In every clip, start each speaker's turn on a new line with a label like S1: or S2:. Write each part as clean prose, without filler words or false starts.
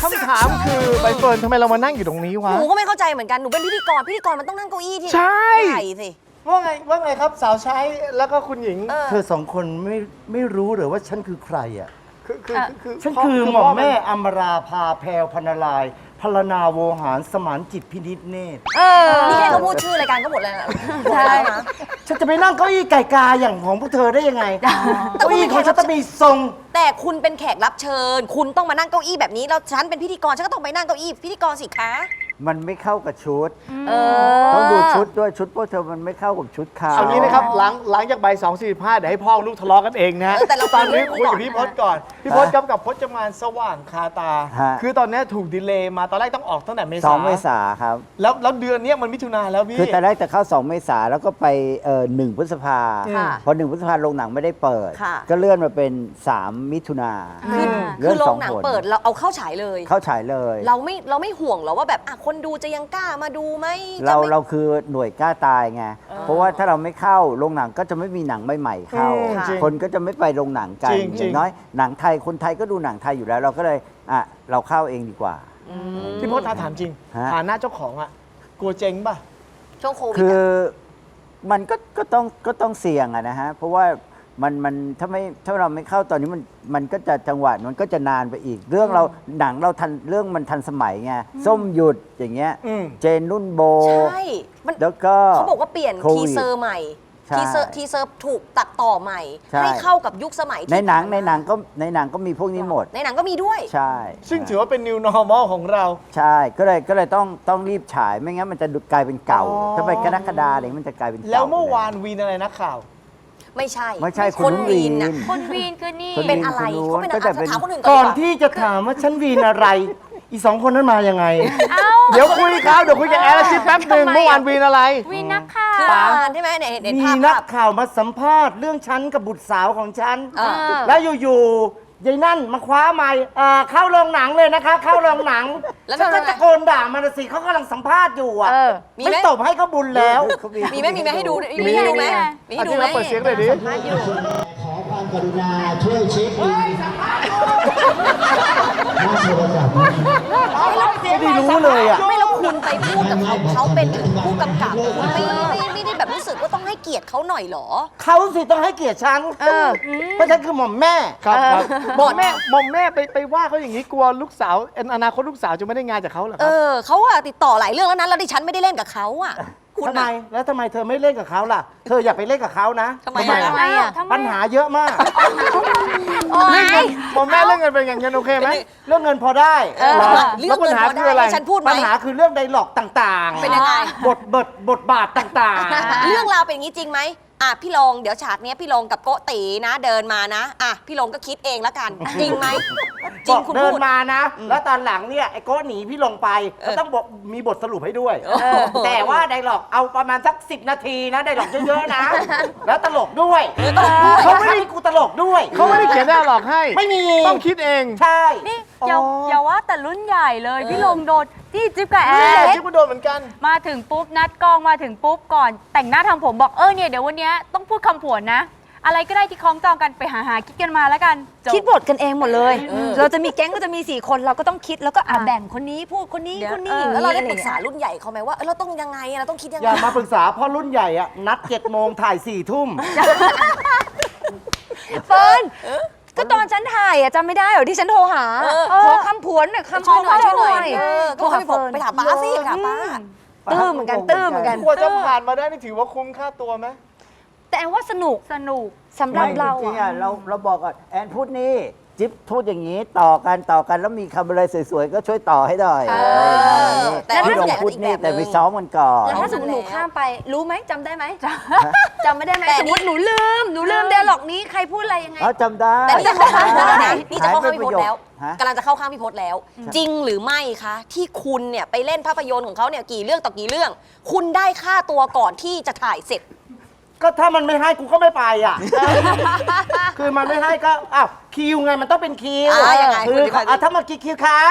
S1: ำถามคือใบเฟิร์นทำไมเรามานั่งอยู่ตรงนี้วะ
S2: หนูก็ไม่เข้าใจเหมือนกัน หนูเป็นพิธีกร พิธีกรมันต้องนั่งเก้าอี้ที่
S1: ใช่
S2: ใหญ่สิ
S1: ว่าไงครับสาวใช้แล้วก็คุณหญิง
S3: เธอสองคนไม่รู้หรือว่าฉันคือใครอ่ะ
S1: คือ
S3: ฉันคือหม่อมแม่อมราภาแพรวพรรณลายพรรณนาโวหารสมานจิตพินิจเนตร
S2: นี่แค่เขาพูดชื่อรายการก็หมดแล้วนะใช่นะ
S3: ฉันจะไปนั่งเก้าอี้ไก่กาอย่างของพวกเธอได้ยังไงเก้าอี้ของฉันต้องมีทรง
S2: แต่คุณเป็นแขกรับเชิญ คุณต้องมานั่งเก้าอี้แบบนี้ แล้วฉันเป็นพิธีกร ฉันก็ต้องไปนั่งเก้าอี้พิธีกรสิคะ
S3: มันไม่เข้ากับชุดต้องดูชุดด้วยชุดพวกเธอมันไม่เข้ากับชุดเขา
S1: เอางี้นะครับหลังจากใบ2:45เดี๋ยวให้พ่อลูกทะเลาะกันเองนะ
S2: แต่เรา
S1: ตอนนี้
S2: คุ
S1: คุ
S2: ย
S1: ย
S2: กั
S1: กั
S2: บบ
S1: พี่พศก่อนพี่พศกับพจมานสว่างคาตา คือตอนนี้ถูกดีเลย์มาตอนแรกต้องออกตั้งแต่เมษา
S4: 2 เมษาครับ
S1: แล้วเดือนนี้มันมิถุนาแล้วพี่
S4: คือแต่แรกจะเข้า 2 เมษาแล้วก็ไป1 พฤษภา
S2: ค่ะ
S4: พอ 1 พฤษภาโรงหนังไม่ได้เปิด
S2: ค่ะ
S4: ก็เลื่อนมาเป็น 3 มิถุนา
S2: คือโรงหนังเปิดเราเอาเข้าฉายเลย
S4: เข้าฉายเลย
S2: เราไม่ห่วงหรอว่าแบบคนดูจะยังกล้ามาดูไหม
S4: เราคือหน่วยกล้าตายไง เพราะว่าถ้าเราไม่เข้าโรงหนังก็จะไม่มีหนังใหม่ๆเข้า
S1: จริง
S4: คนก็จะไม่ไปโรงหนังกัน
S1: จริง
S4: อย่างน้อยหนังไทยคนไทยก็ดูหนังไทยอยู่แล้ว เราก็เลยเราเข้าเองดีกว่า
S1: พี่พศถามจริง
S4: ฮะ
S1: ฐานะเจ้าของอ่ะกลัวเจ๊งป่ะ
S2: ช่วงโควิด
S4: คือมันก็ต้องเสี่ยงอะนะฮะ เพราะว่ามันถ้าเราไม่เข้าตอนนี้มันก็จะจังหวะมันก็จะนานไปอีก เรื่องเราหนังเราทันเรื่องมันทันสมัยไงส้มหยุดอย่างเงี้ย เจนนุ่นโบ
S2: ใช่มัน
S4: แล้วก็
S2: เขาบอกว่าเปลี่ยน
S4: โควิ
S2: ที
S4: ด
S2: เซอร์ใหม่
S4: ใช่
S2: ทีเซอร์ถูกตัดต่อใหม่
S4: ใช่
S2: ให้เข้ากับยุคสมัยที่
S4: ในหนัง
S2: ผ่า
S4: ใน
S2: มา
S4: หนังก็มีพวกนี้หมด
S2: ในหนังก็มีด้วย
S4: ใช่
S1: ซึ่งถือว่าเป็น new normal ของเรา
S4: ใช่ก็เลยต้องรีบฉายไม่งั้นมันจะกลายเป็นเก่า
S1: อ๋อ
S4: ถ้าไปกรกฎาคมอะไรมันจะกลายเป็นเก่า
S1: แล้วเมื่อวานวีนอะไรนักข่าว
S2: ไม่ใช่
S4: ไม่ใช่
S2: คนวีนน่ะ
S5: คนวีนคือนี่
S4: คนวี
S2: เป็นอะไร
S4: คนนู้น
S2: เขาเป็น
S4: ก็
S2: อะไร
S4: จะเป็น
S2: ถามคนอื่น
S3: ก่
S2: ก่
S3: อ
S2: อน นดีกว่า
S3: ที่จะถามว่าฉันวีนอะไร อีสองคนนั้นมายังไง
S1: เดี๋ยวคุยครับเดี๋ยวคุยกับแอร์แล้วชิดแป๊บหนึ่ง
S5: ทำไม
S1: เมื่อวานวีนอะไร
S5: วีนนักข่า
S2: คือ
S5: ว
S2: อ่านใช่ไหมเนี่ยเห็น
S3: มี
S2: ภาพ
S3: นักข่าวมาสัมภาษณ์เรื่องฉันกับบุตรสาวของฉัน
S2: เออ
S3: แล้วอยู่ๆยายนั่นมาคว้าไมค์เข้าโรงหนังเลยนะคะ เข้าโรงหนัง
S2: แล้ว
S3: ฉันก็
S2: ทำไง
S3: ตะโกนด่ามันน่ะสิเขากำลังสัมภาษณ์อยู่อ่ะ
S2: มีไหม
S3: ไม่ตบให้เขาบุญแล้ว
S2: มีไหมให้ดูมี
S1: มี
S2: ให้ดูไหม
S1: มี
S2: มีให้ดู
S1: ที่
S2: ไหม
S1: เราเปิดเสียงเลยดิ
S6: ขอความกรุณาช่วยเช็คอินหน้าโทรศัพท์นะ
S3: ไม่ได้รู้เลยอ่ะ
S2: ไม่แล้วคุณไปพูดกับเขาเป็นถึงผู้กำกับคุณไม่ได้แบบรู้สึกว่าต้องให้เกียรติเขาหน่อยเหรอ
S3: เขาสิต้องให้เกียรติฉันเพราะฉันคือหม่อมแม่
S1: ครับครับ
S2: บ
S1: ม
S2: อ
S1: อก มแม่ไปว่าเขาอย่างนี้กลัวลูกสาวอนาคตลูกสาวจะไม่ได้งานจากเขาเหรอครับ
S2: เขาอะติดต่อหลายเรื่องแล้วนะแล้วดิฉันไม่ได้เล่นกับเขาอะคุณ
S3: ทำไม
S2: อะ
S3: แล้วทำไมเธอไม่เล่นกับเขาล่ะ เธออย่าไปเล่นกับเขานะ
S2: ทำไมอะ
S3: ล่ะ
S5: ทำไมอ่ะ
S3: ปัญหาเยอะมาก
S1: เรื่องเงินมอมแม่เรื่องเงินเป็นอย่างเงินโอเคไหม
S3: เรื่องเงินพอได้
S2: เรื่อง
S1: แล้วปัญ
S2: เงิน
S1: หา
S2: พอ
S1: คืออะไร
S2: ได้ให้ฉันพูดไหม
S3: ปัญหาคือเรื่องไดร็อกต่างๆ
S2: เป็นยังไง
S3: บทบาทต่างๆ
S2: เรื่องราวเป็นอย่างนี้จริงไหมอ่ะพี่ลงเดี๋ยวฉากเนี้ยพี่ลงกับโกตีนะเดินมานะอ่ะพี่ลงก็คิดเองแล้วกัน จริงไหมจริงคุณ
S3: เดิน
S2: พูด
S3: มานะ แล้วตอนหลังเนี่ยไอ้โก้หนีพี่ลงไปก็ต้องมีบทสรุปให้ด้วย แต่ว่าไดร็อกเอาประมาณสัก10 นาทีนะไดร็อกเยอะๆนะ แล้วตลกด้วยเขาไม่ให้กูตลกด้วย
S1: เขาไม่ได้เขียนได้หรอกให้
S3: ไม่มี
S1: ต้องคิดเอง
S3: ใช่
S5: นี่อย่าว่าแต่รุ่นใหญ่เลย พี่ลงโดนที่จิ๊บกับแอ
S1: นี่แหละ
S5: ร์
S1: ที่กูโดนเหมือนกัน
S5: มาถึงปุ๊บนัดกองมาถึงปุ๊บก่อนแต่งหน้าทำผมบอกเนี่ยเดี๋ยววันเนี้ยต้องพูดคำผวนนะ อะไรก็ได้ที่คล้องจองกันไปหาคิดกันมาแล้วกันจบ
S7: คิดบทกันเองหมดเลย เราจะมีแก๊งก็จะมี4 คนเราก็ต้องคิดแล้วก็แบ่งคนนี้พูดคนนี้คนนี้อย่าง
S2: แล้ว
S7: นี้
S2: เราได้
S7: อะไร
S2: ปรึกษา
S7: อย่งเงี้ย
S2: รุ่นใหญ่เขาไหมว่าเราต้องยังไงเราต้องคิดยัง
S3: อ
S2: ไง
S3: ย่ามาปรึกษาเพราะรุ่นใหญ่อะนัด7 โมงถ่าย 4 ทุ่ม
S7: เฟิร์นก็ตอนฉันถ่ายอะจำไม่ได้เหรอที่ฉันโทรหาขอคำผวนหน่อยคำ
S2: ช่วยหน่อยช่วยหน่อย
S7: โท
S2: ก็
S7: ร
S2: ให้
S7: หา
S2: ผม
S7: เฟิร์น
S2: ไปถามป้าสิไปถามป้า
S7: ตื้อเหมือนกันตื้อเหมือนกัน
S1: กว่าจะผ่านมาได้นี่ถือว่าคุ้มค่าตัวไหม
S7: แต่แอนว่าสนุก
S5: สนุก
S7: สำหรับเรา
S4: จริงๆ
S7: อะ
S4: เราบอกก่อนแอนพูดนี่จิ๊บพูดอย่างนี้ต่อกันแล้วมีคำอะไรสวยๆ ก็ช่วยต่อให้หน่อย
S2: แต่
S4: พี่ลง
S2: รุ่นใหญ่
S4: พูดนี่
S2: อีกแบบ
S4: แต่ไป
S2: นึง
S4: ซ้อมกันก่อน
S7: แล้วถ้าสมมติหนูข้ามไปรู้ไหมจำได้ไหมจำไม่ได้ไหม
S2: แต่
S7: ส
S2: อั
S7: ม
S2: นนี้
S7: มติหนูลืมเดล็อกนี้ใครพูดอะไรยังไง
S4: จำได้
S2: แต่นี่จะเข้าข้างพี่พศนะนี่จะเข้าข้าง
S4: หย
S2: พี่
S4: ไป
S2: พศแล้ว
S4: ฮะ
S2: กำลังจะเข้าข้างพี่พศแล้ว จริงหรือไม่คะที่คุณเนี่ยไปเล่นภาพยนตร์ของเขาเนี่ยกี่เรื่องต่อกี่เรื่อง คุณได้ค่าตัวก่อนที่จะถ่ายเสร็จ
S3: ก็ถ้ามันไม่ให้กูก็ไม่ไปอ่ะ คือมันไม่ให้ก็อ้าวคิวไงมันต้องเป็นคิว
S2: ยังไง
S3: คือ
S2: คุณอธิบายสิ
S3: ถ้ามากี่คิวคะ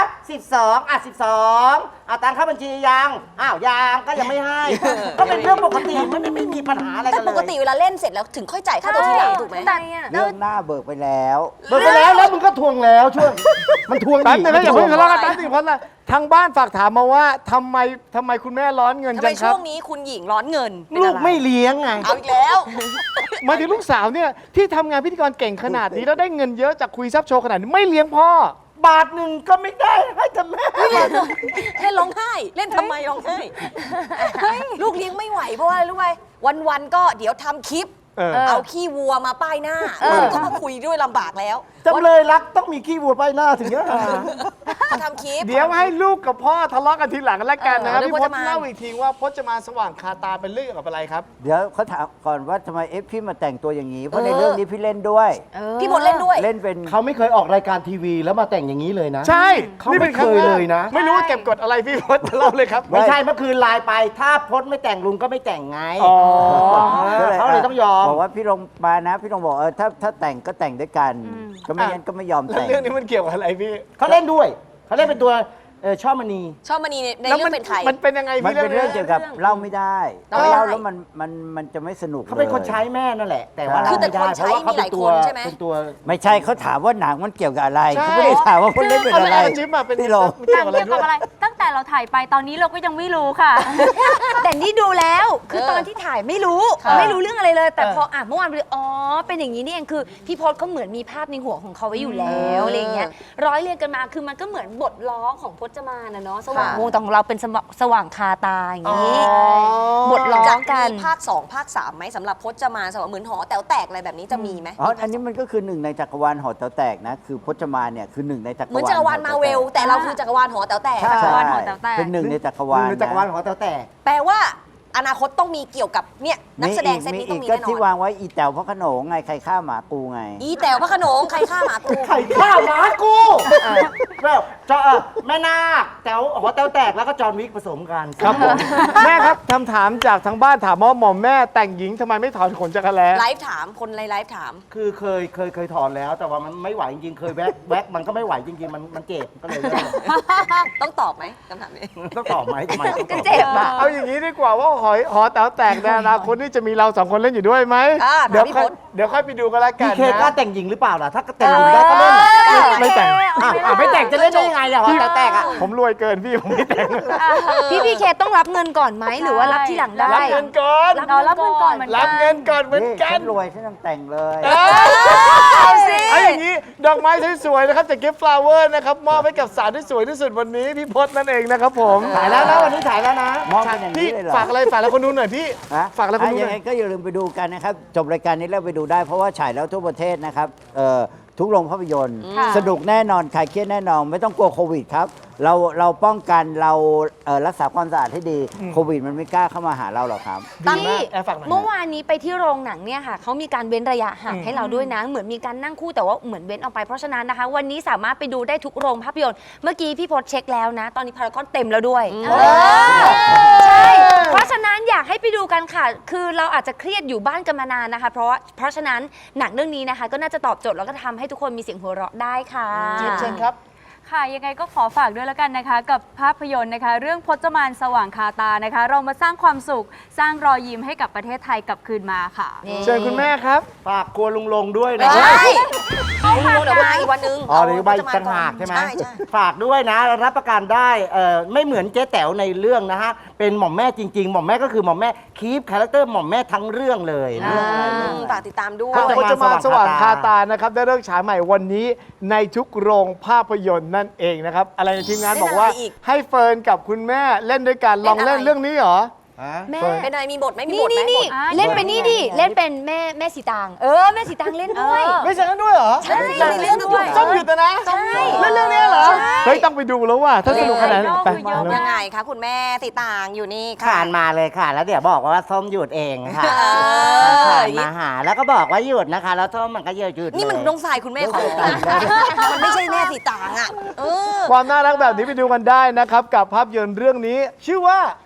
S3: 1212ตังค่าบัญชียังยังก็ยังไม่ให้ ก็เป็นเรื่องปกติไม่มีปัญหาอะไร
S2: แต่
S3: กันเลย
S2: ปกติเวลาเล่นเสร็จแล้วถึงค่อยจ่ายค่าตัวทีหลังถูกไหม
S4: เรื่องหน้าเบิกไปแล้ว
S3: เบิกไปแล้วมึงก็ทวงแล้วช่วงมันทวง
S1: แป๊บนึงนะอย่าเพิ่งทะเลาะกัน
S2: ทวง
S1: แป๊บนึงเพราะอะไรทางบ้านฝากถามมาว่าทำไมคุณแม่ร้อนเงิน
S2: ทำ
S1: จั
S2: ไม
S1: งค
S2: ช่
S1: รับ
S2: วงนี้คุณหญิงร้อนเงินเป็น
S3: ลู
S2: อะ
S3: ก
S2: ไร
S3: ไม่เลี้ยงไง
S2: เอาอีกแล้ว
S1: หมายถึงลูกสาวเนี่ยที่ทำงานพิธีกรเก่งขนาดนี้แล้วได้เงินเยอะจากคุยซับโชว์ขนาดนี้ไม่เลี้ยงพ่อ
S3: บาทหนึ่งก็ไม่ได้ให้แต่แม่
S2: เล่นร้องไห้ เล่นทำไมร้องไห้ลูกเลี้ยงไม่ไหวเพราะว่าอะไรรู้ไหมวันๆก็เดี๋ยวทำคลิป เอาขี้วัวมาป้ายหน้าก็มาคุยด้วยลำบากแล้ว
S3: จำเลยรักต้องมีขี้วัวป้ายหน้าถึงจะหา
S2: เขาทำคลิป
S1: เดี๋ยวให้ลูกกับพ่อทะเลาะกันทีหลังแล้วกันนะครับ
S2: เรื่อง
S1: พี่พจ
S2: พจมาน
S1: น์เล่าอีกทีว่าพจมานสว่างคาตาเป็นเรื่องกับอะไรครับ
S4: เดี๋ยวเขาถามก่อนว่าทำไมพี่มาแต่งตัวอย่างนี้ เพราะในเรื่องนี้พี่เล่นด้วย
S2: พี่พลเล่นด้วย
S4: เล่นเป็น
S3: เขาไม่เคยออกรายการทีวีแล้วมาแต่งอย่างนี้เลยนะ
S1: ใช่
S3: เขาไม่เคยเลยนะ
S1: ไม่รู้ว่าเก็บกดอะไรพี่พจน์เล่าเลยครับ
S3: ไม่ใช่เมื่อคืนไลน์ไป ถ้าพจน์ไม่แต่งลุงก็ไม่แต่งไง
S1: อ๋อ
S3: เขาเลยต้องยอม
S4: บอกว่าพี่ลงมานะ พี่ลงบอกถ้าแต่งก็แต่งด้วยกัน ก็ไม่งั้นก็ไม่ยอม
S1: แล้ว
S4: แต่ง
S1: เรื่องนี้มันเกี่ยวกับอะไรพี่
S3: เขาเล่นด้วย เขาเล่นเป็นตัวช่อมณี
S2: ชอบมณีใน
S1: แล้ว
S2: เรื่องเป็นใคร
S1: มันเป็นยังไง
S4: มัน
S1: พี่
S4: เป็นเรื่องเกี่ยวกับเล่าไม่ได้
S2: เล่าไม่ได้
S4: เล่าแล้วมันจะไม่สนุก
S3: เขาเป็นคน
S4: ลย
S3: ใช้แม่นั่นแหละ แต่ว่า
S2: คือแต่
S3: เล่า
S2: คนใช้
S3: ไม่ได้เพราะว่าเขาเป็นตัว
S2: มีหลายคนใช่ไหม
S3: เป็นตัว
S4: ไม่ใช่เขาถามว่าหนังมันเกี่ยวกับอะไร
S1: ใช่
S4: เขาไม่ได้ถามว่าคนเล่นเป็นอะไร
S1: าจิ๊บมาเป็น
S4: พี่ลง
S1: มันเกี่ยวกับอะไร
S5: เกี่ยว
S1: ด้
S5: กั
S1: ว
S5: บ
S1: ย
S5: อะไร ตั้งแต่เราถ่ายไปตอนนี้เราก็ยังไม่รู้ค่ะ
S7: แต่นี่ดูแล้ว คือตอนที่ถ่ายไม่รู้ ไม่รู้เรื่องอะไรเลย แต่พอเมื่อวานไปดูอ๋อ เป็นอย่างนี้นี่เองคือพี่พศเขาเหมือนมีภาพในหัวของเขาไว้อยู่แล้วอะไรอย่างเงี้ย ร้อยเรียงกันมา คือมันก็เหมือนบทร้องของพจมานนะเนาะ สว่างวงแต่ของเราเป็นสว่างคาตาอย่างนี้ บทร้อ
S2: จะ
S7: งกัน
S2: มีภาค 2 ภาค 3ไหมสำหรับพจมานสำหรับเหมือนหอแต๋วแตกอะไรแบบนี้จะมีไหม
S4: อ๋อ อันนี้มันก็คือหนึ่งในจักรวาลหอแต๋วแตกนะ คือพจมานเนี่ยคือหนึ่งในจักรวาล
S2: เหมือนจักรวาลมาเวล แต่เราคือจักรวาลหอแต๋วแตก
S4: ใช่
S5: จักรวาลหอแต๋วแตก
S4: เป็นหนึ่งในจักรวาล
S3: ในจักรวาลของแต่แต่
S2: แปลว่าอนาคตต้องมีเกี่ยวกับเนี่ยนักแสดงเซตนี้ต้องมี
S4: ก็
S2: แน่น
S4: ที่
S2: อน
S4: วางไว้อีแต๋วพระโขนงไงใครฆ่าหมากูไง
S2: อีแต๋วพระโขนงใครฆ่าหมากู
S3: ไข่ข้าวหมากูแล้วแม่นาคแต๋วหัวแต๋วแตกแล้วก็จอห์นวิกผสมกัน
S1: ครับผมแม่ครับคำถามจากทางบ้านถามว่าหม่อมแม่แต่งหญิงทำไมไม่ถอนขนจักรแล้
S2: ไลฟ์ถามคนไลฟ์ถาม
S3: คือเคยถอนแล้ว แต่ว่ามันไม่ไหวจริงๆ เคยแว็กมันก็ไม่ไหวจริงๆ มันเจ็บก็เลยเลิก
S2: ต้องตอบไหมคำถามนี้
S3: ต้องตอบไหมทำไมต้องตอบ
S7: เจ็บอ่ะ
S1: เอาอย่างนี้ดีกว่าว่าหอแต๋วแตกในอนาคตนี่จะมีเราสองคนเล่นอยู่ด้วยไหม
S2: อ่า
S1: เดี๋ยว
S2: ถามพี่
S1: ค่อย
S2: พจน์
S1: เดี๋ยวค่อยไปดูกันละกั
S3: พี่
S1: น
S3: เคกล้า
S1: นะ
S3: แต่งหญิงหรือเปล่าล่ะ ถ้าแต่งหญิงได้ก็เล่น
S1: ไม่แต่ง
S3: ไม่แต่งจะเล่นได้ยังไงล่ะหัวแต๋วแตกอ่ะ
S1: ผมรวยเกินพี่ผมไม่แต่ง
S7: พี่เคต้องรับเงินก่อนไหมหรือว่ารับที่หลังได้
S1: รับเงินก่อน
S5: เรารับเงินก่อนเหมือนกัน
S1: รับเงินก่อนเหมือน
S4: นี่
S1: กั
S4: ฉั
S1: น
S4: นรวยฉันต้องแต่งเลย
S1: เอาอย่างนี้ดอกไม้สวยๆนะครับจาก Gift Flower นะครับมอบให้กับสาวที่สวยที่สุดวันนี้พี่พจน์นั่นเองนะครับผม
S3: ถ่ายแล้วนะวันนี้ถ่ายแล้วนะ
S4: มอบเป็นอย่าง
S1: พี่
S4: นี้เลยเหรอ
S1: ฝากอะไรฝากแล้วคนดูหน่อยพี่
S4: ฮะ
S1: ฝากแล้วคนดูห
S4: ยั
S1: น่
S4: ง
S1: อ
S4: ไง
S1: ย
S4: ก็อย่าลืมไปดูกันนะครับ จบรายการนี้แล้วไปดูได้เพราะว่าฉายแล้วทั่วประเทศนะครับทุกโรงภาพยนตร์
S5: ค่ะ
S4: สนุกแน่นอนคลายเครียดแน่นอน ไม่ต้องกลัวโควิดครับ เราป้องกันเรารักษาความสะอาดให้ดีโควิดมันไม่กล้าเข้ามาหาเราหรอกครับ
S1: ดีมากแอร์ฝากหน่อย
S7: เมื่อวานนี้ไปที่โรงหนังเนี่ยค่ะเขามีการเว้นระยะห่างให้เราด้วยนะ เหมือนมีการนั่งคู่แต่ว่าเหมือนเว้นออกไปเพราะฉะนั้นนะคะ วันนี้สามารถไปดูได้ทุกโรงภาพยนตร์เมื่อกี้พี่พศเช็คแล้วนะ ตอนนี้พารากอนเต็มแล้วด้วยใช่เพราะฉะนั้นอยากให้ไปดูกันค่ะ คือเราอาจจะเครียดอยู่บ้านกันมานานนะคะ เพราะฉะนั้นหนังเรื่องนี้นะคะ ก็น่าจะตอบโจทย์แล้วก็ทำให้ทุกคนมีเสียงหัวเราะได้ค่ะ
S1: เชิญครับ
S5: ค่ะยังไงก็ขอฝากด้วยแล้วกันนะคะ กับภาพยนตร์นะคะ เรื่องพจมานสว่างคาตานะคะ เรามาสร้างความสุข สร้างรอยยิ้มให้กับประเทศไทยกลับคืนมาค่ะ
S1: เชิญคุณแม่ครับ
S3: ฝากครัวลุงลงด้วย
S2: ไม่
S3: นะ
S2: ใช่ลุงเดี๋ยวมาอีกวันนึง
S3: อ๋อหรือใบต่างหากใช่ไหม
S2: ใช่
S3: ฝากด้วยนะ รับประกันได้ไม่เหมือนเจ๊แต๋วในเรื่องนะฮะ เป็นหม่อมแม่จริง ๆ หม่อมแม่ก็คือหม่อมแม่คีปคาแรคเตอร์หม่อมแม่ทั้งเรื่องเลยนะ
S2: ฝากติดตามด้วย
S1: พจมานสว่างคาตานะครับได้เลิกฉายใหม่วันนี้ในทุกโรงภาพยนตร์นั่นเองนะครับอะไรในทีมงานบอกว่า
S2: เล่นอะไรอีก
S1: ให้เฟิร์นกับคุณแม่เล่นด้วยกันลองเล่น
S2: เล่นอะไร
S1: เรื่องนี้เหรอ
S7: แม่
S2: เป็นอะไรมีบทไหมมี
S7: นี่
S2: บทไหม
S7: นี่
S2: บท
S7: เล่นเป็นนี่ดิเล่นเป็นแม่สีตางแม่สีตางเล่นด้วย
S1: ไม่ใช่กันด้วยเหรอ
S7: ใช่
S2: ในเรื่องด้วย
S1: ส้มหยุดนะ
S7: ใช่
S1: เล่นเรื่องนี้เหรอ
S7: ใช่
S1: เฮ้ยต้องไปดูแล้วว่ะถ้าสนุกขนาดนั้นไป
S5: เยอะ
S1: มา
S5: มา
S1: เลย
S2: ยังไงคะคุณแม่ติต่างอยู่นี่ค่ะ
S3: ขานมาเลยค่ะ แล้วเดี๋ยวบอกว่าส้มหยุดเองค่ะ
S2: เออ
S3: ขานมาหาแล้วก็บอกว่าหยุดนะคะ แล้วส้มมันก็หยุด
S2: นี่มัน
S3: เลย
S2: น้องสายคุณแม่ของมันไม่ใช่แม่สีต่างอ่ะ
S1: ความน่ารักแบบนี้ไปดูกันได้นะครับกับภาพยนตร์เรื่องนี้ ชื่อว่า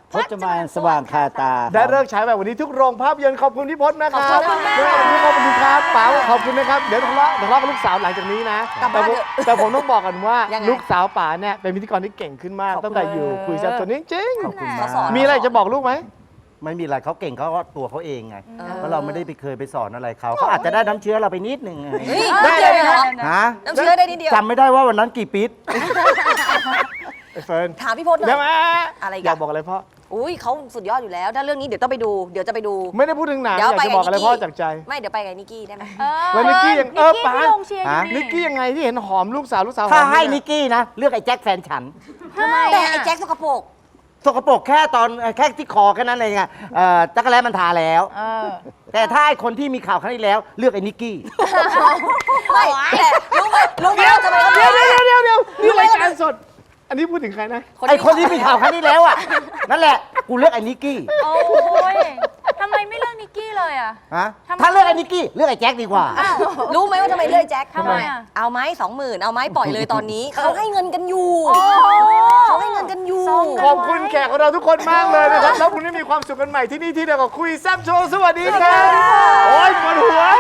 S4: พจมานสว่างคาตา
S1: ได้เลิกฉายแบบวันนี้ทุกโรงภาพยนตร์ขอบคุณพี่พจน์นะครับ
S2: ขอบคุณมาก
S1: ขอบคุณครับป๋าขอบคุณนะครับเดี๋ยวทะเลาะกับลูกสาวหลังจากนี้นะ
S2: กลับบ้านเถอะ
S1: แต่ผมต้องบอกกันว่า
S2: ยังไง
S1: ลูกสาวป๋าเนี่ยเป็นพิธีกรที่เก่งขึ้นมากตั้งแต่อยู่คุยแซ่บตัวนี้จริง
S4: ขอบคุณ
S2: เขา
S4: มาก
S2: สอน
S1: มีอะไรจะบอกลูกไหม
S3: ไม่มีอะไรเขาเก่งเขาก็ตัวเขาเองไงเพราะเราไม่ได้ไปเคยไปสอนอะไรเขาเขาอาจจะได้น้ำเชื้อเราไปนิดนึงไง
S2: เฮ้ยนิดเดียวเลยเหรอ
S3: ฮะ
S2: น้ำเชื้อได้นิดเดียว
S3: จำไม่ได้ว่าวันนั้นกี่ปี๊ด
S1: ไอ้เฟิร์น
S2: ถามพี่พจน์หน่
S1: เดี๋
S2: อ
S1: ยว
S2: ย
S1: มา
S2: อะไรอีกอะ
S1: อยากบอกอะไรพ่อ
S2: อุ้ยเขาสุดยอดอยู่แล้ว ถ้าเรื่องนี้เดี๋ยวต้องไปดู เดี๋ยวจะไปดู
S1: ไม่ได้พูดถึงหนัง
S2: เดี๋
S1: อ
S2: ยว
S1: ยากจะบอกอะไร
S2: ไปกับนิกกี้
S1: พ่อจากใจ
S2: ไม่เดี๋ยวไปกับนิกกี้ได้ไหม
S1: แล้วนิกกี้ยัง
S5: นิกกี้
S1: ป๋า
S5: ที่ลงเชียร์อยู่
S1: นิกกี้ยังไงที่เห็นหอมลูกสาวห
S3: ถ้า
S1: อม
S3: ให้
S1: เย
S3: นิกกี้นะ เลือกไอ้แจ็คแฟนฉัน
S2: แต่ไอ้แจ็คสกปรก
S3: สกปรกแค่ตอนแค่ที่คอแค่นั้นเองอะจักรแล้มันทาแล้ว แต่ถ้าไอ้คนที่มีข่าวครั้งที่แล้ว เลือกไอ้นิกกี้
S2: ไม่แต่รู้ไหมว่าทำไมเขา
S1: เดี๋ยวนี่รายการสด อันนี้พูดถึงใครนะ
S3: ไอ้คนที่มีข่าวครั้งที่แล้วอะนั่นแหละกูเลือกไอ้นิกกี้
S5: โอ้ยทำไมไม่เลือกนิกกี้เลยอ่ะ
S3: ฮะ
S5: ทำไม
S3: ถ้าเลือกไอ้นิกกี้เลือกไอ้แจ็คดีกว่า
S2: รู้ไหมว่าทำไมเลื่อยแจ็ค
S5: ทำไมอะ
S2: เอาไหม20,000เอาไหมปล่อยเลยตอนนี้ เขาให้เงินกันอยู่เขาให้เงินกันอยู่
S1: ขอบคุณแขกของเราทุกคนมากเลยนะครับ แล้วคุณได้มีความสุขกันใหม่ที่นี่ที่เดียวกับคุยแซ่บโชว์สวัสดีครับโอ้ยปวดหัว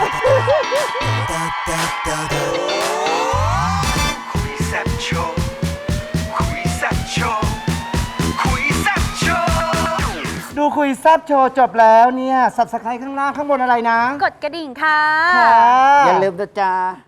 S8: คุยแซ่บโชว์คุยแซ่บโชว์คุยแซ่บโชว์
S3: ดูคุยแซบโชว์จบแล้วเนี่ย subscribe ข้างล่างข้างบนอะไรนะ
S5: กดกระดิ่งค่ะ
S3: ค่ะ
S4: อย่าลืมนะจ๊ะ